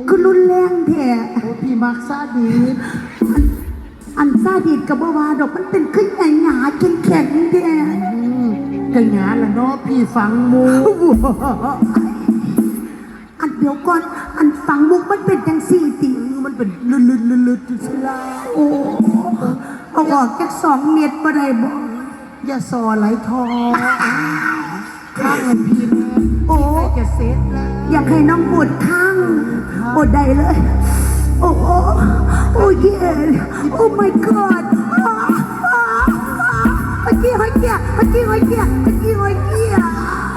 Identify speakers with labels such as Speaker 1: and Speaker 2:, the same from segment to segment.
Speaker 1: คือรุนแรงแท้
Speaker 2: โอ้พี่มักซาดีด
Speaker 1: อันซาดิสกับบ่ว่าดอกมันเป็นขึ้นใหญ่หนาแข็งแข็งแท้
Speaker 2: กระหยาละเนาะพี่ฟังมู
Speaker 1: อันเดี๋ยวก่อนอันฟังมุกมันเป็นจังสี่ติ
Speaker 2: มันเป็นลึดๆๆๆสิลา
Speaker 1: โอ้เอาออกจาก2 เม็ดบ่ได้บ่
Speaker 2: อย่าซอไหลทองข้างมันพี่แม่
Speaker 1: โอ้
Speaker 2: จะเซ็ตแล้ว
Speaker 1: อยากให้น้องปวดข้างปวดใดเลย โอ้โอ้โอ้เย่โอ้ my god เมื่อกี้หอยเกี้ยเมื่อกี้หอยเกี้ยเมื่อกี้หอยเกี้ย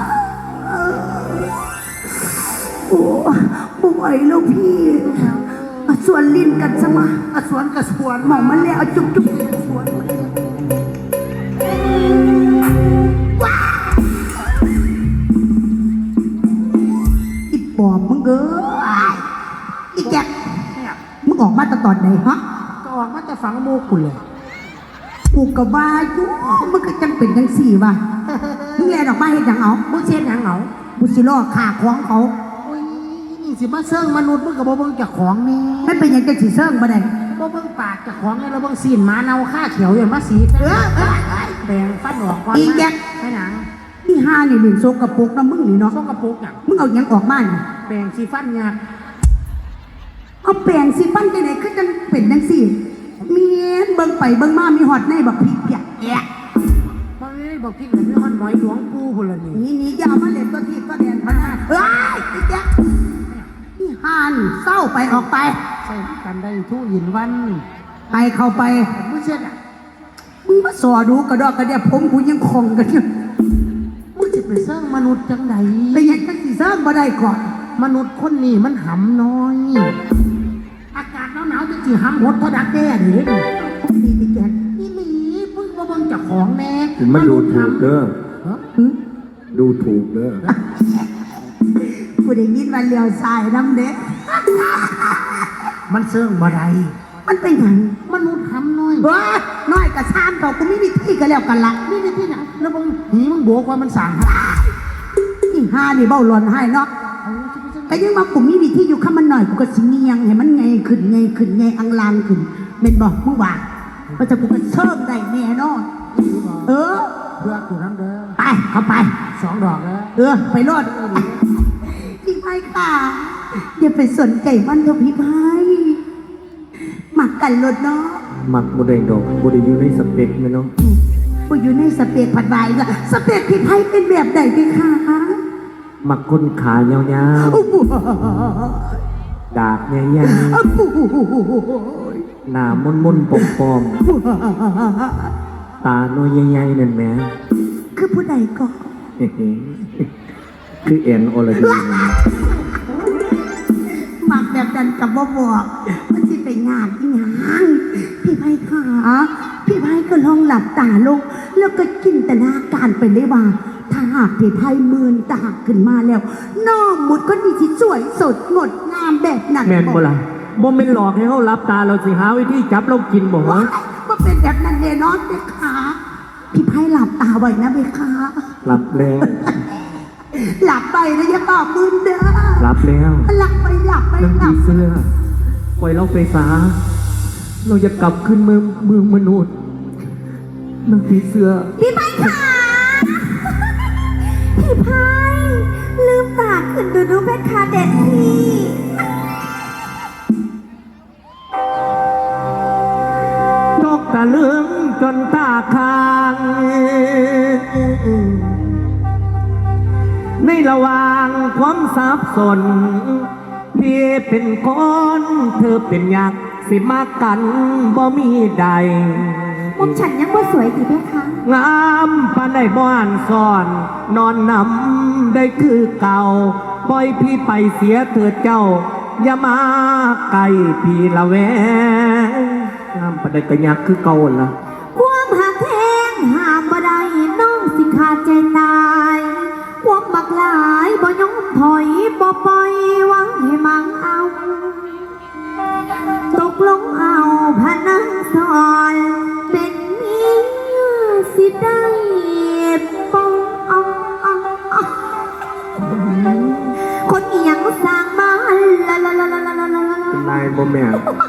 Speaker 1: โอ้ป่วยแล้วพี่มาสวนลิ้นกันซะมา
Speaker 2: สวนกับสวน
Speaker 1: หมองมันแล้วเอาจุ๊บจุ๊บสวนอีปอบมึงเอ้ยอีแจ๊ก
Speaker 2: เนี่ย
Speaker 1: มึงออกมาตอนไหนฮะ
Speaker 2: ก็ออกมาแต่ฝังมูกคุณเลย
Speaker 1: กูกะว่าอยู่มึงก็จังเป็นจังสี่ว่ะมึงแลนออกมาเห็นยังเอา
Speaker 2: มึงเช็ดหางเหงา
Speaker 1: กูสิล่อขาของเขา
Speaker 2: โอ้ยนี่สิมาเซิงมนุษย์มึงกับบ่เบิ่งจากของนี่
Speaker 1: ไม่เป็นหยังจะสิเซิงบ่ได้
Speaker 2: บ่เบิ่งปากจากของนี่แล้วเบิ่งซีนหมาเน่าข้าเขียวอย่างมาสีแปลงฟันออกก่อนให้หนัง
Speaker 1: นี่ห้านี่หนึ่งโซกระปุกนะมึงนี่เนาะ
Speaker 2: ส่งกระปุกอย่าง
Speaker 1: มึงเอาหยังออกมานี่
Speaker 2: แปลงสีฟันยาก
Speaker 1: เอาแปรงสิฟันจังได๋คือจังเป็นจังสี่เมียนเบิ่งไปเบิ่งมามีฮอดในบักพริกเปียกแอะ
Speaker 2: บ่ได้บอกพี่กับพี่ฮอนหมอยหลวงปู่พุ่นละนี่
Speaker 1: นี่อยาวมาเล่นตัวทีตัวแดนมาเอ้ยอีแจ๊กนี่ห้านี่เศร้าไปออกไป
Speaker 2: ใส่กันได้ทุกยินวัน
Speaker 1: ไปเข้าไป
Speaker 2: มึงเช็ดอ่ะ
Speaker 1: มึงมาสอดูกระดอกกระเดียผมกูยังคงกันอยู่
Speaker 2: มึงจะไปเซิงมนุษย์จังใด
Speaker 1: ไปยังจังสิเซิงบ่ได้ก่อน
Speaker 2: มนุษย์คนนี้มันหำน้อย อากาศหนาวๆจะจีหำหดเท่าดักแด้ดิ
Speaker 1: ดีดีแก
Speaker 2: นี่หลีพึ่งมาเบิ่งจากของแน่
Speaker 3: มันดูถูกเด้อ
Speaker 2: ฮะ
Speaker 3: ดูถูกเด้อ
Speaker 1: กูได้ยินว่าเลี้ยวซ้ายน้ำเด็ก
Speaker 2: มันเซิงบ่ได้
Speaker 1: มันเป็นหยัง
Speaker 2: มนุษย์หำน้อย
Speaker 1: เว้ยน้อยกับซามเขากูไม่มีที่ก็แล้วกันละ
Speaker 2: นี่นี่ที่ไหนแล้วมึงหีมึงโบกว่ามันสั่ง
Speaker 1: นี่ห้านี่เบ้าหลอนให้เนาะแต่ยังมากูมีวิธีอยู่ข้ามันหน่อยกูก็สิเงียงให้มันไงขึ้นไงขึ้นไงอังลางขึ้นเป็นบอกมึงว่าว่าจะกูก็เชิงได้แน่นอนเออ
Speaker 2: เพื่อกูน้ำเด้อ
Speaker 1: ไปเข้าไป
Speaker 2: 2 ดอกแล้ว
Speaker 1: ไปรอดพี่ไพ่ค่ะอย่าไปสนใจมันเถอะพี่ไพ่หมักกันรถเนาะ
Speaker 3: มักบ่ได้ดอกบ่ได้อยู่ในสเปคแม่เนาะ
Speaker 1: กูอยู่ในสเปกผัดใบก็สเปกพี่ไพ่เป็นแบบไหนพี่คะ
Speaker 3: มักคนขายาว
Speaker 1: โอ้โห
Speaker 3: ๆดากใหญ่
Speaker 1: โอ้โห
Speaker 3: ๆหน้ามนๆปอมๆตาน้อยใหญ่ๆนั่นแหม
Speaker 1: คือผู้ใดก็
Speaker 3: คือแอนอรดีนั่นนะ
Speaker 1: หมักแบบนั้นกับบ่บอกมันสิไปงานที่งานพี่ไพ่ค่ะพี่ไพ่ก็ลองหลับตาลงแล้วก็จินตนาการไปเลยว่า ถ้าหากพี่ไพ่มืนตาขึ้นมาแล้วน้องมุดก็ดีที่สวยสดงดงามแบบนั้น
Speaker 3: แม่นบ่ล่ะบ่แม่นหลอกให้เฮารับตาเราสิหาวิธีจับเรากินบ่
Speaker 1: ว่า
Speaker 3: ฮะ
Speaker 1: ว่าเป็นแบบนั้นแน่นอนเบคะพี่ไพ่หลับตาไว้นะเบคะ
Speaker 3: รับแล้ว
Speaker 1: หลับไปนะอย่าบอกมึนเด้อ
Speaker 3: รับแล้ว
Speaker 1: หลับไปหลับไป
Speaker 3: น้ำ
Speaker 1: หลั
Speaker 3: ผี
Speaker 1: บ
Speaker 3: เสื้อปล่อยเราไปซาเราจะกลับขึ้นเมืองมนุษย์น้ำผีเสื้อ
Speaker 1: พี่ไพ่ค่ะพี่ไพ่ลืมตาขึ้นดูเพชรคาเด็ดพี่
Speaker 3: นกตะลึงจนตาค้าง ในระหว่างความสับสนพี่เป็นคนเธอเป็นยักษ์สิมากันบ่มีใด
Speaker 1: มุมฉันยังว่าสวยดีไหมคะ
Speaker 3: งามปานได้บ้านซ่อน นอนนำได้คือเก่าปล่อยพี่ไปเสียเถิดเจ้า อย่ามาไกลพี่ละแวงงามปานได้กระยักคือเก่าล่ะ
Speaker 1: ความหักแทงห้ามบ่ได้น้องสิขาดใจตายความบักหลายบ่ยอมถอยบ่ปล่อยหวังให้มังเอา ตกลงเอาพนันสอนเป็นเมียสิได้ปองคนอีหยังสร้างมาละละละละละ
Speaker 3: ายบ่แม่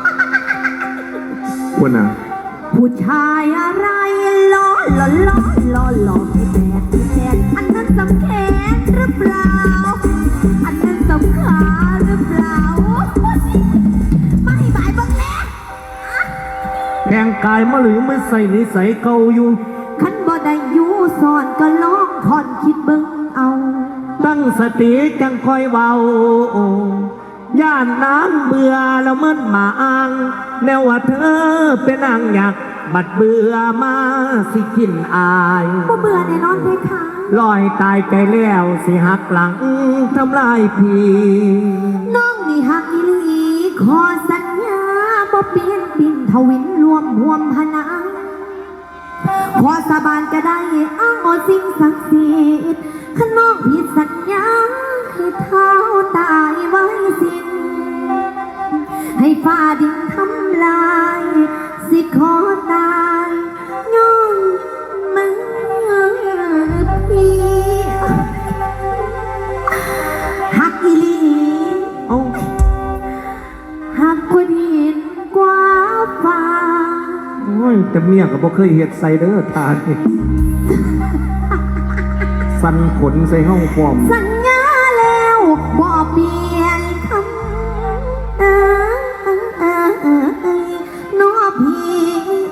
Speaker 3: คุณน่ะ
Speaker 1: ผู้ชายอะไรล้อล้อล้อล้อล้อพี่แดดพี่แดดอันนั้นสำแขนหรือเปล่าอันนั้นสำขาหรือเปล่าไม่บายบังแล
Speaker 3: แข่งกายมาหรือไม่ใส่นิสัยเก่าอยู่
Speaker 1: ขันบ่ได้อยู่สอนก็ลองคอนคิดเบิ่งเอา
Speaker 3: ตั้งสติจังคอยเว้าย่านน้ำเบื่อแล้วมันมาอ้างแนวว่าเธอเป็นนางอยากบัดเบื่อมาสิกินอาย
Speaker 1: บ่เบื่อแน่นอนเพคะ
Speaker 3: ลอยตายใจแล้วสิหักหลังทำลายพี่
Speaker 1: น้องนี่หักอีหลีขอสัญญาบ่เปลี่ยนปิ่นทวินรวมห่วมพนังขอสาบานก็ได้อ้างเอาสิ่งศักดิ์สิทธิ์ข้าน้องผิดสัญญาให้เท้าตายไว้สิ้นให้ฟ้าดินทำลายสิขอตายย้อนมือพี่หักอีหลี
Speaker 3: เอ้า
Speaker 1: หักกว่าดินกว่าฟ้า
Speaker 3: โอ้ยแต่เมียก็บ่เคยเฮ็ดใส่เด้อทานนี่สั่นขนใส่ห้องฟอม
Speaker 1: สัญญาแล้วบ่เปลี่ยนคำน้อพี่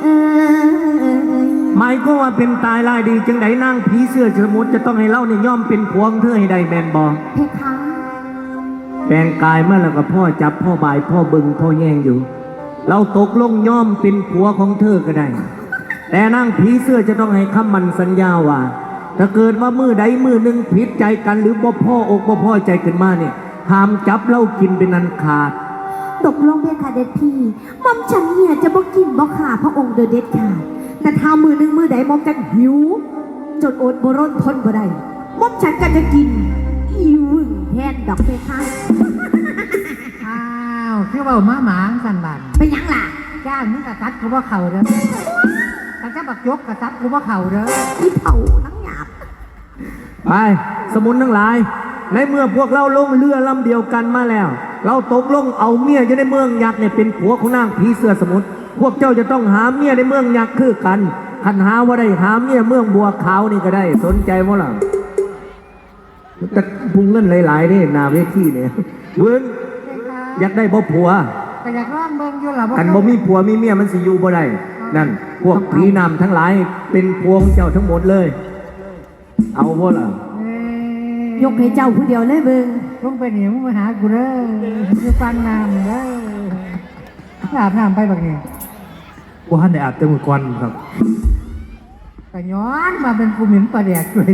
Speaker 3: หมายก็ว่าเป็นตายลายดีจังไดนางผีเสื้อสมุทรจะต้องให้เล่าเนี่ยย่อมเป็นพวงเธอให้ได้แมนบอ
Speaker 1: เพคะ
Speaker 3: แปลงกายเมื่อแล้วก็พ่อจับพ่อบายพ่อบึงพ่อแย่งอยู่ เราตกลงย่อมเป็นผัวของเธอก็ได้ แต่นางผีเสื้อจะต้องให้คำมันสัญญาว่าถ้าเกิดว่ามือใดมือหนึ่งผิดใจกันหรือบ่พ่ออกบ่พ่อใจขึ้นมาเนี่ยห้ามจับเหล้ากินเป็นอันขาด
Speaker 1: ตกลงเพคะเด็ดพี่หม่อมฉันเนี่ยจะบ่กินบ่ขาพระองค์โดยเด็ดขาดแต่ถ้ามือหนึ่งมือใดหม่อมฉันหิวจนอดบ่ร้นทนบ่ได้หม่อมฉันก็จะกินอีวึ่งแทนดอกเพคะ
Speaker 2: อ้าวคือเว่ามาหมาสันบัน
Speaker 1: เป็นหยังล่ะ
Speaker 2: จ้างมึงกระซัดกูว่าเข่าเด้อกันจะบักยกกระซัดกูว่าเข่าเด้อ
Speaker 1: ที่เผานังหยาบ
Speaker 3: ไปสมุนทั้งหลาย ในเมื่อพวกเราลงเรือลำเดียวกันมาแล้ว เราตกลงเอาเมียอยู่ในเมืองยักษ์เนี่ยเป็นผัวของนางผีเสื้อสมุทรพวกเจ้าจะต้องหาเมียในเมืองยักษ์คือกันคันหาว่าได้หาเมียเมืองบัวขาวนี่ก็ได้สนใจมั้ล่ะแต่พุงเงินหลายๆนี่นาเวทีเนี่ยเบิ้งอยากได้บ่ผัว
Speaker 2: แต่อยากร้องเบิ่งอยู่ล่ะ
Speaker 3: กันบ่มีผัวมีเมียมันสิอยู่บ่ได้นั่นพวกผีนำทั้งหลายเป็นพวงเจ้าทั้งหมดเลย เอาบ่ล่ะ
Speaker 1: ยกให้เจ้าผู้เดียวเลยเบิ่ง
Speaker 2: มึงไปนี่มึงมาหากูเด้อคือฟังน้ำเด้ออาบน้ำไปบักนี่
Speaker 3: กูหันได้อาบแต่มื้อก่อนครับ
Speaker 2: แต่ย้อนมาเป็นกูเหม็นปลาแดกเลย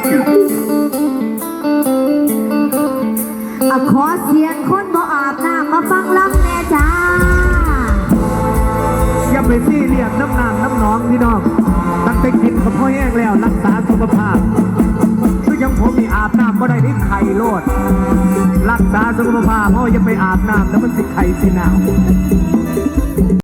Speaker 1: ขอเสียงคนบ่อาบน้ำมาฟังลำแน่จ้า
Speaker 3: อย่าไปซี่เรียกน้ำนางน้ำหนองพี่น้องตั้งแต่กินกับพ่อแห้งแล้วรักษาสุขภาพคือยังผมมีอาบน้ำบ่ได้นี่ไข่โลด รักษาสุขภาพเพราะอย่าไปอาบน้ำแล้วมันสิไข่สิหนาว